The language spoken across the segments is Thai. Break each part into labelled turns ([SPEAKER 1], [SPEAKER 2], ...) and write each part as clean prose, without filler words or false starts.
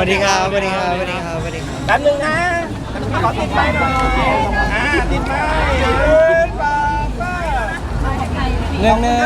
[SPEAKER 1] วัสดีครับสวัสดีครับสวัสดีครับสวัสดีครับ
[SPEAKER 2] แป๊บนึงนะขอติดไม้หน่อยติดไม้
[SPEAKER 1] เรื่องหนึ่ง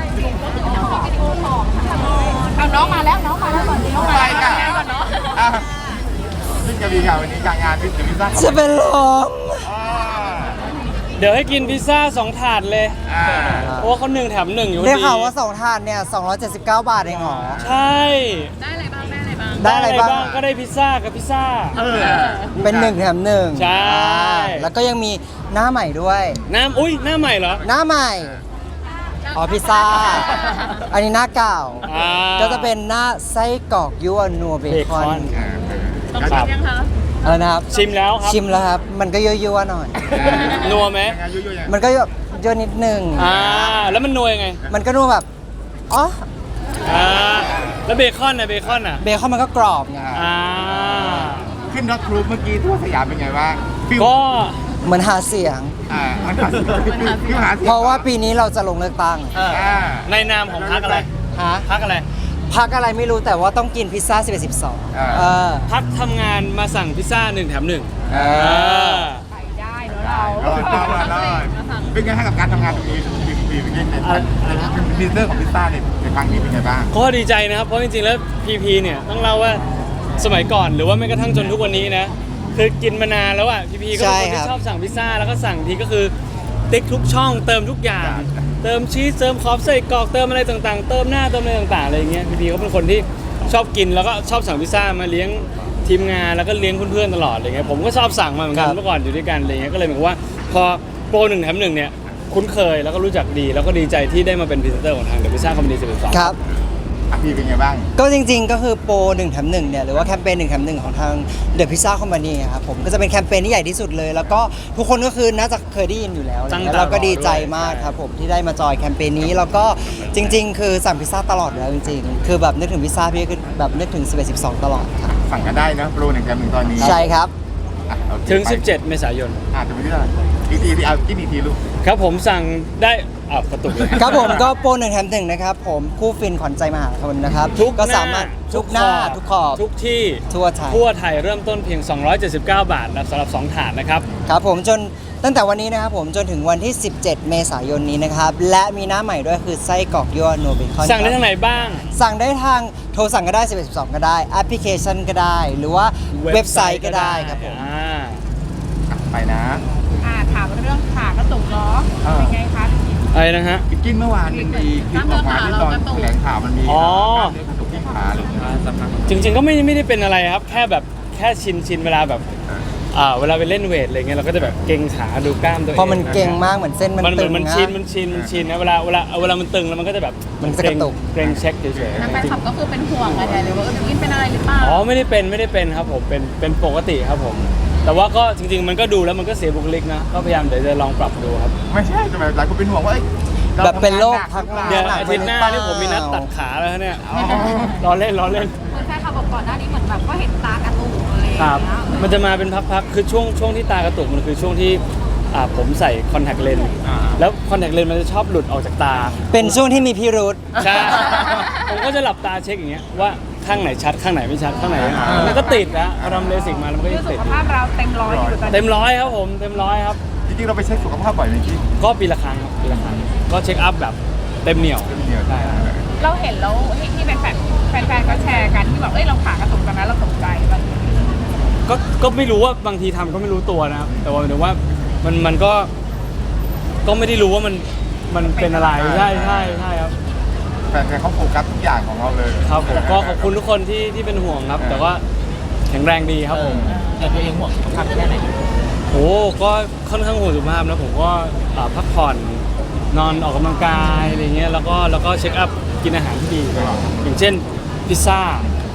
[SPEAKER 3] เอาน้องมาแล้วน้องมาแล้วก่อนน้องมาแล้วก่อนเนาะ
[SPEAKER 2] ซึ่งจะมีข่าววันนี้การงานพิซซ่า
[SPEAKER 1] จะเป็นลม
[SPEAKER 4] เดี๋ยวให้กินพิซซ่า2 ถาดเลย เพราะว่าเขา1 แถม 1อยู่
[SPEAKER 1] ได้
[SPEAKER 4] ดี
[SPEAKER 1] ข่าวว่า2ถาดเนี่ย279 บาทเองเหรอ
[SPEAKER 4] ใช่
[SPEAKER 3] ได้อะไรบ้างได้อะไรบ้าง
[SPEAKER 1] ได้อะไรบ้าง
[SPEAKER 4] ก็ได้พิซซ่ากับพิซซ่า
[SPEAKER 1] เป็น1 แถม 1
[SPEAKER 4] ใช่
[SPEAKER 1] แล้วก็ยังมีหน้าใหม่ด้วย
[SPEAKER 4] อุ้ยหน้าใหม่เหรอ
[SPEAKER 1] หน้าใหม่อ๋อพิซซ่า อันนี้หน้าเก่า
[SPEAKER 4] อ่า
[SPEAKER 1] ก็จะเป็นหน้าไส้กรอกยั่วนัวเบคอน
[SPEAKER 3] ต้องชิมยังคะ
[SPEAKER 1] อะไรนะครับ
[SPEAKER 4] ชิมแล้วครับ
[SPEAKER 1] ชิมแล้วครับ มันก็ยั่วๆหน่อย
[SPEAKER 4] นัวไหม
[SPEAKER 1] มันก็แบบยั่วนิดนึง
[SPEAKER 4] แล้วมันนัวยังไง
[SPEAKER 1] มันก็นัวแบบอ๋อ
[SPEAKER 4] แล้วเบคอนนะเบคอนอ่ะ
[SPEAKER 1] เบคอนมันก็กรอบไง
[SPEAKER 2] ขึ้นรถครูเมื่อกี้ทั่วสยามเป็นไงบ้าง
[SPEAKER 4] ก็
[SPEAKER 1] เหมือนหาเสียง
[SPEAKER 2] มันหาที่หา
[SPEAKER 1] เพราะว่าปีนี้เราจะลงเลือกตั้ง
[SPEAKER 4] ในนามของพักอะไร
[SPEAKER 1] ฮะ
[SPEAKER 4] พักอะไร
[SPEAKER 1] พักอะไรไม่รู้แต่ว่าต้องกินพิซซ่า11 12
[SPEAKER 4] พักทำงานมาสั่งพิซซ่า1 แถม 1
[SPEAKER 3] ไปได้เนาะเรา
[SPEAKER 2] เป็นไงให้กับการทำงานตรงนี้ปีเป็นไงพิซซ่าของพิซซ่าในครั้งนี้เป็นไงบ้าง
[SPEAKER 4] ก็ดีใจนะครับ เพราะจริงๆ แล้วพีพีเนี่ยต้องเล่าว่าสมัยก่อนหรือว่าแม้กระทั่งจนทุกวันนี้นะคือกินมานานแล้วอ่ะพีพีก็เป็นคนที่ชอบสั่งพิซซ่าแล้วก็สั่งทีก็คือติ๊กทุกช่องเติมทุกอย่าง เติมชีสเติมคอฟใส่กรอกเติมอะไรต่างๆ เติมหน้าเติมอะไรต่างๆอะไรอย่างเงี้ยพีพีเขาเป็นคนที่ชอบกินแล้วก็ชอบสั่งพิซซ่ามาเลี้ยงทีมงานแล้วก็เลี้ยงเพื่อนๆตลอดอะไรเงี้ยผมก็ชอบสั่งมาเหมือนกันเมื่อก่อนอยู่ด้วยกันอะไรเงี้ยก็เลยเหมือนว่าพอโปร1 แถม 1เนี่ยคุ้นเคยแล้วก็รู้จักดีแล้วก็ดีใจที่ได้มาเป็นพรีเซนเตอร์ของทางเดอะพิซซ่าคอมพานี12
[SPEAKER 1] ครับ
[SPEAKER 2] พี่เป็นไงบ้าง
[SPEAKER 1] ก็จริงๆก็คือโปร1 แถม 1เนี่ยหรือว่าแคมเปญ1 แถม 1ของทาง The Pizza Company ครับผมก็จะเป็นแคมเปญที่ใหญ่ที่สุดเลย แล้วก็ทุกคนก็คือน่าจะเคยได้ยินอยู่แล้วแล้วก็ดีใจมากครับผมที่ได้มาจอยแคมเปญนี้แล้วก็จริงๆ คือสั่งพิซซ่าตลอดแล้วจริงๆ คือแบบนึกถึงพิซซ่าพี่ก็คือแบบนึกถึง11 12ตลอดครับ
[SPEAKER 2] สั่งกันได้นะโปร1 แถม 1ตอนนี้
[SPEAKER 1] ใช่ครับ
[SPEAKER 4] ถึง 17 เมษายน
[SPEAKER 2] จะไม่ได้อีกทีเอากินอีกทีลูก
[SPEAKER 4] ครับผมสั่งได้กระตุกเลย
[SPEAKER 1] ครับผมก็โปร1 แถม 1นะครับผมคู่ฟินขวัญใจมหาชนนะครับ
[SPEAKER 4] ทุก
[SPEAKER 1] ก็
[SPEAKER 4] หน้า
[SPEAKER 1] สามารถทุกหน้าทุกขอบ
[SPEAKER 4] ทุกที่
[SPEAKER 1] ทั่วไทย
[SPEAKER 4] ทั่วไทยเริ่มต้นเพียง 279 บาทนะสำหรับ 2 ถาดนะครับ
[SPEAKER 1] ครับผมจนตั้งแต่วันนี้นะครับผมจนถึงวันที่ 17 เมษายนนี้นะครับและมีหน้าใหม่ด้วยคือไส้กรอกยั่วนัวเบคอน
[SPEAKER 4] สั่งได้ทางไหนบ้าง
[SPEAKER 1] สั่งได้ทางโทรสั่งก็ได้11 12ก็ได้แอปพลิเคชันก็ได้ หรือว่าเว็บไซต์ก็ได้ครับผม
[SPEAKER 2] ไปนะ
[SPEAKER 3] ถามเรื่องขากระตุกเนาะเป็นไงคะ
[SPEAKER 4] อะไรนะฮะ
[SPEAKER 2] กินเมื่อวานมันมีคลิปออกมาที่ตอนแถลงข่าวมันมี
[SPEAKER 4] อ๋อ
[SPEAKER 2] กระตุกที่ขาอะไรอย่างเงี้ย
[SPEAKER 4] จริงๆก็ไม่ได้เป็นอะไรครับ แค่ชินเวลาแบบเวลาไปเล่นเวทอะไรเงี้ยเราก็จะแบบเกร็งขาดูกล้ามตัวเอง
[SPEAKER 1] เพราะมันเก่งมากเหมือนเส้นมันตึง
[SPEAKER 4] มัน
[SPEAKER 1] นะ
[SPEAKER 4] ชินนะเวลามันตึงแล้วมันก็จะแบบ
[SPEAKER 1] มันจะกระตุก
[SPEAKER 4] เกร็งเช็คเฉย
[SPEAKER 3] แฟนคลับก็คือเป็นห่วงอะไรหรือว่ากินเป็นอะไรหรือเปล่า
[SPEAKER 4] ๆอ๋อไม่ได้เป็นครับผมเป็นปกติครับผม แต่ว่าก็จริงๆมันก็ดูแล้วมันก็เสียบุคลิกนะก็พยายามเดี๋ยวจะลองปรับดูครับ
[SPEAKER 2] ไม่ใช่แต่แบบหลายคนเป็นห่วงว่า
[SPEAKER 1] แบบเป็นโรคพักงาน
[SPEAKER 4] เดี๋ยวอาทิตย์หน้านี่ผมมีนัดตัดขาแล้วเนี่ยรอเล่น
[SPEAKER 3] คุณแฟนคลับบอกก่อนหน้านี้เหมือนแบบก็เห็นตากระตุกอะไรอย่าง
[SPEAKER 4] ครับ
[SPEAKER 3] เงี้ย
[SPEAKER 4] มันจะมาเป็นพักๆคือช่วงที่ตากระตุกมันคือช่วงที่ผมใส่คอนแทคเลนส์แล้วคอนแทคเลนส์มันจะชอบหลุดออกจากตา
[SPEAKER 1] เป็นช่วงที่มีพิรุธ
[SPEAKER 4] ใช่ ผมก็จะหลับตาเช็คอย่างเงี้ยว่าข้างไหนชัดข้างไหนไม่ชัดข้างไหนมันก็ติดนะพอทำเลสิกมาแล้วมันก็
[SPEAKER 3] คือ
[SPEAKER 4] ยัง
[SPEAKER 3] สุ
[SPEAKER 4] ติด
[SPEAKER 3] ขภาพเราเต็มร้อยอยู่ตอนนี้
[SPEAKER 4] เต็มร้อยครับผมเต็มร้อยครับ
[SPEAKER 2] จริงๆเราไปเช็คสุขภาพบ่อยไหมพี่
[SPEAKER 4] ก็ปีละครั้งครับปีละครั้งก็เช็คอัพแบบเต็มเหนียว ใช่
[SPEAKER 3] เราเห็นแล้วที่แฟนก็แชร์กันที่บอกเราขากระตุกกันนะเราตกใจแบบ
[SPEAKER 4] ก็ไม่รู้ว่าบางทีทำก็ไม่รู้ตัวนะครับแต่ว่าหมายถึงว่ามันก็ไม่ได้รู้ว่ามันเป็นอะไรใช่ครับ
[SPEAKER 2] แฟนเขาโฟกัสทุกอย่างของเราเลย
[SPEAKER 4] ครับผมก็ขอบคุณทุกคนที่เป็นห่วงครับ แต่ว่าแข็งแรงดีครับผม
[SPEAKER 1] แต่ตัวเองห่วงสุขภาพแค่ไหน
[SPEAKER 4] โอ้ก็ค่อนข้างห่วงสุขภาพนะผมก็พักผ่อนนอนออกกำลังกายอะไรเงี้ยแล้วก็เช็คอัพกินอาหารที่ดีตลอดอย่างเช่นพิซซ่า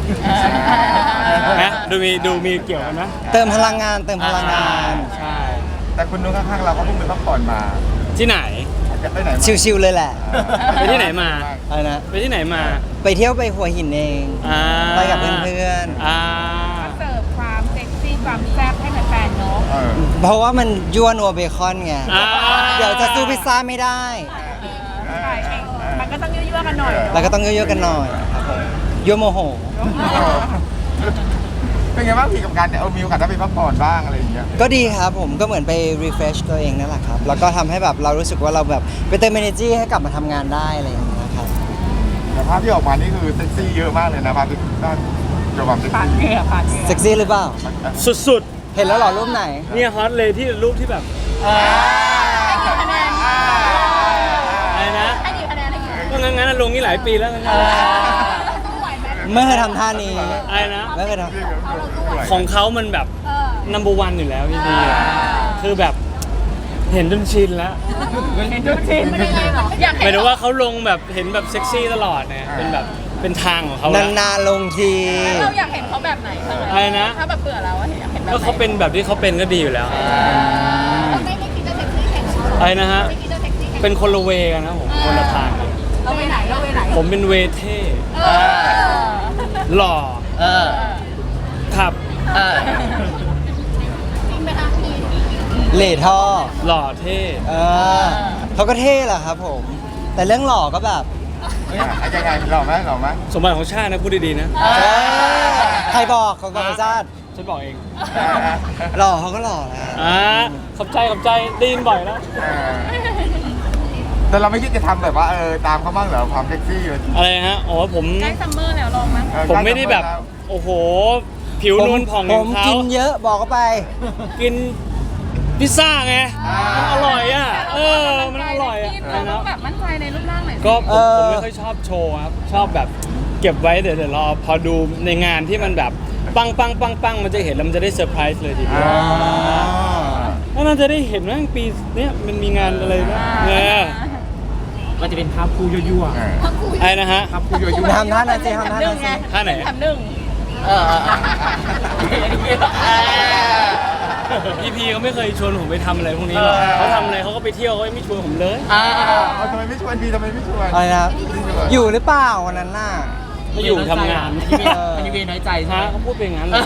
[SPEAKER 4] นะดูมีเกี่ยวกันนะ
[SPEAKER 1] เติมพลังงาน
[SPEAKER 4] ใช่
[SPEAKER 2] แต่คุณนุ้งข้างๆเราก็เพิ่งไปพักผ่อนมา
[SPEAKER 4] ที่ไหน
[SPEAKER 2] ไปไหนมา
[SPEAKER 1] ชิวๆเลยแหละ
[SPEAKER 4] ไปที่ไหนมา
[SPEAKER 1] อะไรนะ
[SPEAKER 4] ไปที่ไหนมา
[SPEAKER 1] ไปเที่ยวไปหัวหินเอง ไปกับเพื่อนๆ
[SPEAKER 3] เสิร์ฟความเซ็กซี่ความแซ่บให้แฟนๆเนาะ
[SPEAKER 1] เพราะว่ามันยั่วนัวเบคอนไง เดี๋ยวจะสู้พิซซ่าไม่ได้
[SPEAKER 3] ใช่มันก็ต้องยั่วๆกันหน่อย
[SPEAKER 1] แล้วก็ต้องยั่วๆกันหน่อยครับผมยั่วโมโห
[SPEAKER 2] เป็นไงบ้างพี่กับการมีโอกาสได้ไปพักผ่อนบ้างอะไรอย่างเงี้ย
[SPEAKER 1] ก็ดีครับผมก็เหมือนไป refresh ตัวเองนั่นแหละครับแล้วก็ทำให้แบบเรารู้สึกว่าเราแบบไปเติม energy ให้กลับมาทำงานได้อะไรอย่างเงี้ยครับ
[SPEAKER 2] แต่ภาพที่ออกมานี่คือเซ็กซี่เยอะมากเลยนะภาพที่ด้านเกี่ยวกับเซ็ก
[SPEAKER 3] ผ่าน
[SPEAKER 2] ซี่
[SPEAKER 3] เหงื่อผ่านเหงื่อ
[SPEAKER 1] เซ็กซี่หรือเปล่า
[SPEAKER 4] สุด
[SPEAKER 1] เห็นแล้วเหรอรูปไหน
[SPEAKER 4] ๆเนี่ยฮอตเลยที่รูปที่แบบอะไรนะ
[SPEAKER 3] ให้กี่คะแนนให้กี่คะแนน
[SPEAKER 4] ก็งั้นลงนี่หลายปีแล้วงั้น
[SPEAKER 3] สู้ไหวไหม
[SPEAKER 1] ไม่เคยทำท่านี้
[SPEAKER 4] อะไรนะ
[SPEAKER 1] ไม่เคยทำ
[SPEAKER 4] ของเขามันแบบ number one อยู่แล้วพี่พีคือแบบเห็นจนชินแล้ว
[SPEAKER 3] เห็นทุกทีไม่ได้ไงหรออยาก
[SPEAKER 4] ห
[SPEAKER 3] เห็
[SPEAKER 4] มาย
[SPEAKER 3] น
[SPEAKER 4] ถึงว่าเขาลงแบบเห็นแบบเซ็กซี่ตลอดเนี่ยเป็นแบบเป็นทางของเขาแล้ว
[SPEAKER 1] นานๆลงที
[SPEAKER 3] เราอยากเห็นเขาแบบไหนบ้าง
[SPEAKER 4] อะไรนะ
[SPEAKER 3] ถ้าแบบเบื่อแล้วอยากเห็นแบบ
[SPEAKER 4] ก็เขาเป็นแบบที่เขาเป็นก็ดีอยู่แล้ว
[SPEAKER 3] ไม่คิดจะเซ็กซี่แข่ง
[SPEAKER 4] อะไรนะฮะ
[SPEAKER 3] ไม่คิดจะเซ็กซี่แข่ง
[SPEAKER 4] เป็นคนละเวกันนะผมคนละทางกัน
[SPEAKER 3] เราไปไหนเราไปไหน
[SPEAKER 4] ผมเป็นเวเท่หล่อขับ
[SPEAKER 3] จริงไหมคะพี่
[SPEAKER 1] เหล่ท่อ
[SPEAKER 4] หล่อเท่
[SPEAKER 1] เขาก็เท่แหละครับผม แต่เรื่องหล่อก็แบบ
[SPEAKER 2] ยังไงหล่อไหม
[SPEAKER 4] สมบัติของชาตินะพูดดีๆนะ
[SPEAKER 1] ใครบอกของกองชาติ
[SPEAKER 4] ฉันบอกเอง
[SPEAKER 1] หล่อเขาก็หล่อแหละ
[SPEAKER 4] ขอบใจได้ยินบ่อยแล้ว
[SPEAKER 2] แต่เราไม่คิดจะทำแบบว่าตามเขาบ้างเหรอความเซ็กซี่เลย
[SPEAKER 4] อะไรฮะอ๋อผม
[SPEAKER 3] ใกล้ซัมเมอร์แล้วลองมั้ย
[SPEAKER 4] ผมไม่ได้แบบโอ้โห ผิวนวลผ่อง
[SPEAKER 1] ผ
[SPEAKER 4] ของ
[SPEAKER 1] ม
[SPEAKER 4] เขา
[SPEAKER 1] กินเยอะบอกเขาไป
[SPEAKER 4] กินพิซซ่าไงมันอร่อยอ่ะมันอร่อยอ่ะ
[SPEAKER 3] เราต้องแบบมั่นใจในรูปร่างหน่อย
[SPEAKER 4] ก็ผมไม่ค่อยชอบโชว์ครับชอบแบบเก็บไว้เดี๋ยวรอพอดูในงานที่มันแบบปังมันจะเห็นแล้วมันจะได้เซอร์ไพรส์เลยทีเดียวแล้วมันจะได้เห็นว่าปีเนี้ยมันมีงานอะไรนะเนี่ย
[SPEAKER 5] มันจะเป็นภาพคู่ยั่ว
[SPEAKER 4] ไอ้นะฮะ
[SPEAKER 5] ๆภาพคู่ยั่ว
[SPEAKER 1] ทำท่านั้นสิทำท่านั้นสิ
[SPEAKER 4] ท่าไหน
[SPEAKER 3] แถมหนึ่ง
[SPEAKER 4] พี่พีเขาไม่เคยชวนผมไปทำอะไรพวกนี้หรอกเขาทำอะไรเขาก็ไปเที่ยวเขาไม่ชวนผมเลย
[SPEAKER 2] ทำไมไม่ชวนพี่ทำไมไม่ชวน
[SPEAKER 1] อะไรนะครับอยู่หรือเปล่าวันนั้นน่ะ
[SPEAKER 4] ไม่อยู่ทำงาน
[SPEAKER 5] มันยังมีน้อยใจใช่
[SPEAKER 4] ฮะ
[SPEAKER 5] ไหม
[SPEAKER 4] เขาพูดเป็นอย่างนั้นเลย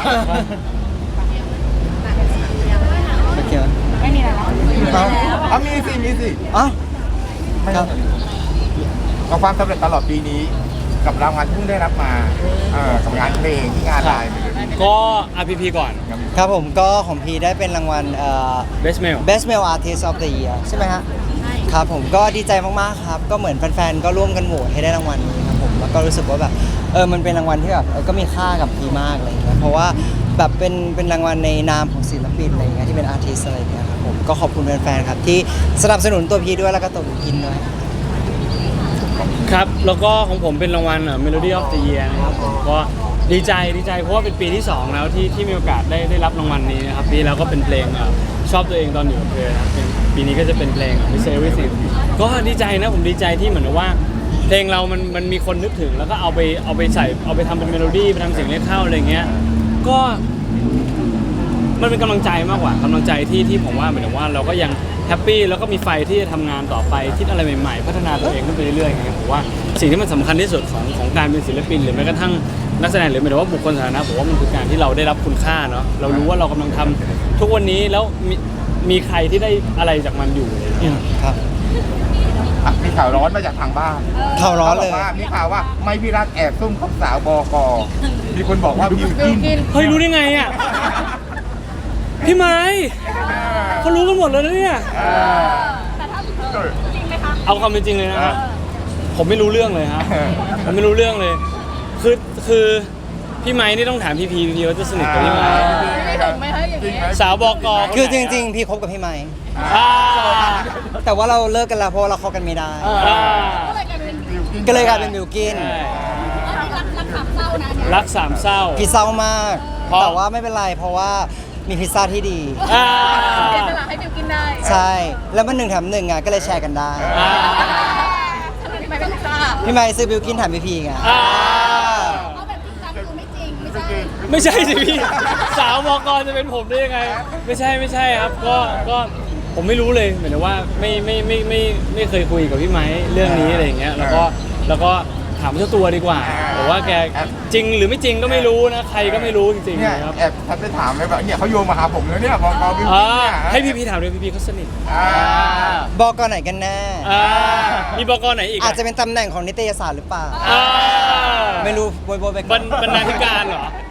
[SPEAKER 1] โอเค
[SPEAKER 3] ไม่มีอะไรแล้ว
[SPEAKER 2] เอามีสิ
[SPEAKER 1] อ๋อครับ
[SPEAKER 2] กับความสำเร็จตลอดปีนี้ กับรางวัลที่เพิ่งได้รับมากับงานเพลงที่งานไลน์ไปเลย
[SPEAKER 4] ก็ RPP ก่อน
[SPEAKER 1] ครับผมก็ของพีได้เป็นรางวัล
[SPEAKER 4] Best Male
[SPEAKER 1] Best Male Artist of the Year ใช่ไหมฮะครับผมก็ดีใจมากๆครับ ก็เหมือนแฟนๆก็ร่วมกันโหวตให้ได้รางวัลนี้ครับผมแล้วก็รู้สึกว่าแบบมันเป็นรางวัลที่แบบก็มีค่ากับพีมากอะไรอย่างเงี้ยเพราะว่าแบบเป็นรางวัลในนามของศิลปินอะไรอย่างเงี้ยที่เป็นอาร์ติสอะไรอย่างเงี้ยครับผมก็ขอบคุณแฟนๆครับที่สนับสนุนตัวพีด้วยแล้วก็ตัวบิวกินด้วย
[SPEAKER 4] ครับ แล้วก็ของผมเป็นรางวัลMelody of the Year นะครับผมก็ดีใจเพราะว่าเป็นปีที่ 2 แล้วที่มีโอกาสได้รับรางวัลนี้นะครับปีแล้วก็เป็นเพลงชอบตัวเองตอนอยู่กับเธอนะครับปีนี้ก็จะเป็นเพลง Miss Everything ก็ดีใจนะผมดีใจที่เหมือนกับว่า เพลงเรามันมีคนนึกถึงแล้วก็เอาไปใส่เอาไปทำเป็นเมโลดี้ไปทำเสียงเรียกเข้าอะไรเงี้ยก็มันเป็นกำลังใจมากกว่ากำลังใจที่ผมว่าเหมือนกับว่าเราก็ยังแฮปปี้แล้วก็มีไฟที่จะทำงานต่อไปคิดอะไรใหม่ๆพัฒนาตัวเองขึ้นไปเรื่อยๆอย่างเงี้ยผมว่าสิ่งที่มันสำคัญที่สุดของการเป็นศิลปินหรือแม้กระทั่งนักแสดงหรือหมายถึงว่าบุคคลสาธารณะผมว่ามันคือการที่เราได้รับคุณค่าเนาะเรารู้ว่าเรากำลังทำทุกวันนี้แล้วมีใครที่ได้อะไรจากมันอยู่อะไรอย่างเงี้ย
[SPEAKER 1] ครับ
[SPEAKER 2] มีข่าวร้อนมาจากทางบ้าน
[SPEAKER 1] ข่าวร้อนเลย
[SPEAKER 2] ขาบกว่ามีข่าวว่าไม่พี่รักแอบซุ่มคบสาวบกมีคนบอกว่าบิวกิน
[SPEAKER 4] เฮ้ยรู้ได้ไงอ่ะพี่ไม้เขารู้กันหมดเลยนะเนี่ย
[SPEAKER 3] แต่ถ้าจริงไหมคะ
[SPEAKER 4] เอาความเป็นจริงเลยนะฮะผมไม่รู้เรื่องเลยฮะผมไม่รู้เรื่องเลย คือพี่ไม้นี่ต้องถามพี่พีว่าจะสนิทกับพี่ไม้
[SPEAKER 3] ไม่ถึงไหมคะอย่างนี้
[SPEAKER 4] สาวบก
[SPEAKER 1] คือจริงๆพี่คบกับพี่ไม้
[SPEAKER 4] อ่า
[SPEAKER 1] แต่ว่าเราเลิกกันแล้วเพราะว่าเราเข้ากันไม่ได้
[SPEAKER 4] อ่า
[SPEAKER 3] ก็เลยกลายเป็น
[SPEAKER 1] ก็เลยกลายเป็นบิวกิน
[SPEAKER 4] ใช่
[SPEAKER 3] รักขำเศร้านะเนี่ย
[SPEAKER 4] รักสามเศร้า
[SPEAKER 1] พี่เศร้ามาก
[SPEAKER 4] เพราะ
[SPEAKER 1] แต่ว่าไม่เป็นไรเพราะว่ามีพิซซ่าที่ดี
[SPEAKER 4] อ่า
[SPEAKER 3] เสียสละให้บิวกินได้
[SPEAKER 1] ใช่ แล้วมัน1 แถม 1อ่ะก็เลยแชร์กันได้
[SPEAKER 4] อ่า
[SPEAKER 3] ทำไมไม่เป็นซ่า
[SPEAKER 1] พี่ไม้ซื้อบิวกินแถมพี่พีไง
[SPEAKER 4] อ่า
[SPEAKER 3] เอาแบบจริงจังคือไม่จริงไม่ใช่
[SPEAKER 4] ไม่ใช่สิพี่สาวบกจะเป็นผมได้ยังไง ไม่ใช่ครับก็ผมไม่รู้เลยหมายถึงว่าไม่เคยคุยกับพี่ไม้เรื่องนี้อะไรอย่างเงี้ยแล้วก็ถามเจ้าตัวดีกว่าบอกว่าแกจริงหรือไม่จริงก็ไม่รู้นะใครก็ไม่รู้จริง
[SPEAKER 2] เนี่ย
[SPEAKER 4] ๆนะครับ
[SPEAKER 2] แอบทักไปถามเลยแบบเนี่ยเขาโยงมาหาผมแล้วเนี่ยบกบิวกินเนี่ย
[SPEAKER 4] ให้พี่ถามด้วยพี่เขาสนิท
[SPEAKER 1] บอกกไหนกันแน่
[SPEAKER 4] มีบกไหนอีก
[SPEAKER 1] อาจจะเป็นตำแหน่งของนิตยสารหรือเปล่า
[SPEAKER 4] อ่า
[SPEAKER 1] ไม่รู้โบยไป
[SPEAKER 4] บรรณาธิการเหรอ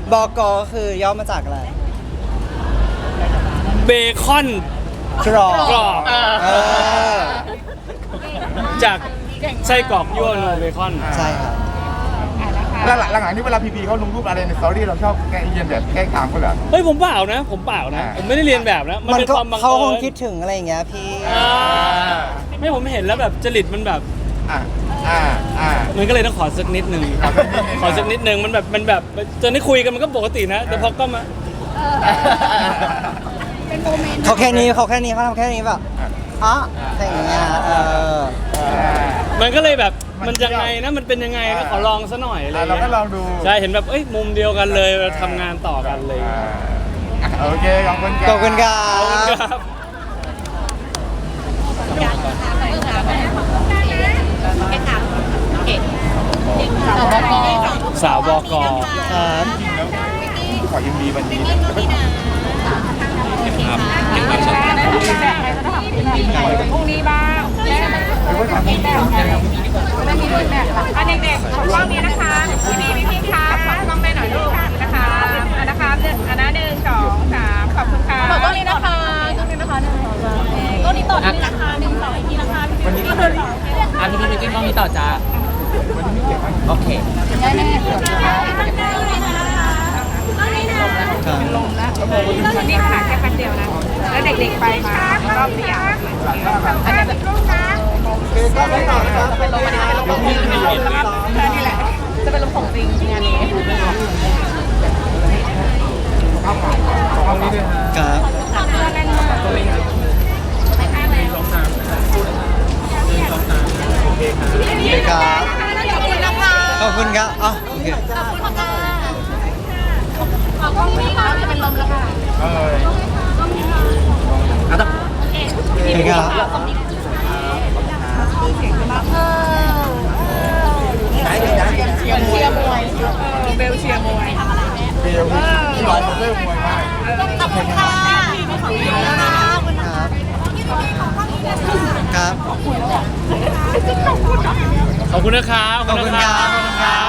[SPEAKER 1] บกคือย่อมาจากอะไร
[SPEAKER 4] เบคอน
[SPEAKER 1] กรอบ
[SPEAKER 4] กรอบ
[SPEAKER 1] เออ
[SPEAKER 4] จากไส้กรอกยั่วนัวเบคอน
[SPEAKER 1] ใช่ครับ
[SPEAKER 2] แล้วหลังๆนี่เวลาพีเขาลงรูปอะไรในสตอรี่เราชอบแกล้งเยียนแบบแกล้งถามเขาเหรอ
[SPEAKER 4] เฮ้ยผมเปล่านะ ผมเปล่านะ ผมไม่ได้เรียนแบบนะ มัน
[SPEAKER 1] มัน
[SPEAKER 4] เป็น
[SPEAKER 1] ก็
[SPEAKER 4] ความบัง
[SPEAKER 1] เขา
[SPEAKER 4] เอิ
[SPEAKER 1] คง
[SPEAKER 4] ญ
[SPEAKER 1] คิดถึงอะไรอย่างเงี้ยพี่
[SPEAKER 4] อ่าไม่ผมเห็นแล้วแบบจริตมันแบบ
[SPEAKER 2] อ่าอ่าอ่า
[SPEAKER 4] มันก็เลยต้องขอสักนิดนึง ขอสักนิดนึงมันแบบจนได้คุยกันมันก็ปกตินะ แต่พอก็มา
[SPEAKER 3] เป็นโมเมนต์
[SPEAKER 1] เขาแค่นี้เขาทำแค่นี้แบบอ๋ออะไรอย่างเงี้ย
[SPEAKER 4] มันก็เลยแบบมันยังไงนะมันเป็นยังไงนะขอลองซะหน่อยอะไร
[SPEAKER 2] เราก็ลองดู
[SPEAKER 4] ใช่เห็นแบบเอ้ยมุมเดียวกันเลยเราทำงานต่อกันเลย
[SPEAKER 2] โอเคขอบคุณ
[SPEAKER 1] ขอบคุณครั
[SPEAKER 4] ขอบคุณ
[SPEAKER 1] บ
[SPEAKER 4] ครับ สาวบก
[SPEAKER 1] ครับ
[SPEAKER 2] ขอยินดีวันนี้
[SPEAKER 3] พรุ่งนี้บ้างไม่มีรุ่นแบบอันเด็กๆของกล้องนี้นะคะพี่ครับขอกล้องได้หน่อยลูกนะคะอันนะคะอันนั้น1 2 3ขอบคุณค่ะขอกล้องนี้นะคะกล้องนี้นะคะ1 2 3กล้องนี้ต่อที่นะคะ1 2อีกทีนะคะพี่ก็เดินต่อ
[SPEAKER 5] พี่มิกกี้กล้องนี้ต่อจ้าโอเค
[SPEAKER 3] ได้แน่
[SPEAKER 1] ครับ
[SPEAKER 3] ลมแล้ววันนี้ขาแค่แป๊บเดียวนะแล้วเด็กๆไปมารอบเดียวอันนี้แบบจะเป็นลมวันนี้จะเป็นลมของจริงนี่แหละจะเป็นลมของจริงงานนี้
[SPEAKER 1] ครับ
[SPEAKER 3] แน่นมากเลยไปข้างแล้ว
[SPEAKER 1] ครับ
[SPEAKER 3] ขอบคุณนะคะ
[SPEAKER 1] ขอบคุณครับอ๋อโอเค
[SPEAKER 3] ขอบคุณค่ะขอบคุณค่ะจะเป็นลมแล้วค่ะ
[SPEAKER 1] โอเคครับ
[SPEAKER 3] เชียร์มวยเบลเชียร์มวย
[SPEAKER 2] เบลที่ร้อยเริ่มมวยมาก
[SPEAKER 3] ขอบคุณค่ะขอบคุณค่ะ
[SPEAKER 1] ครับ
[SPEAKER 4] ขอบคุณนะครับ
[SPEAKER 1] ขอบคุณครับ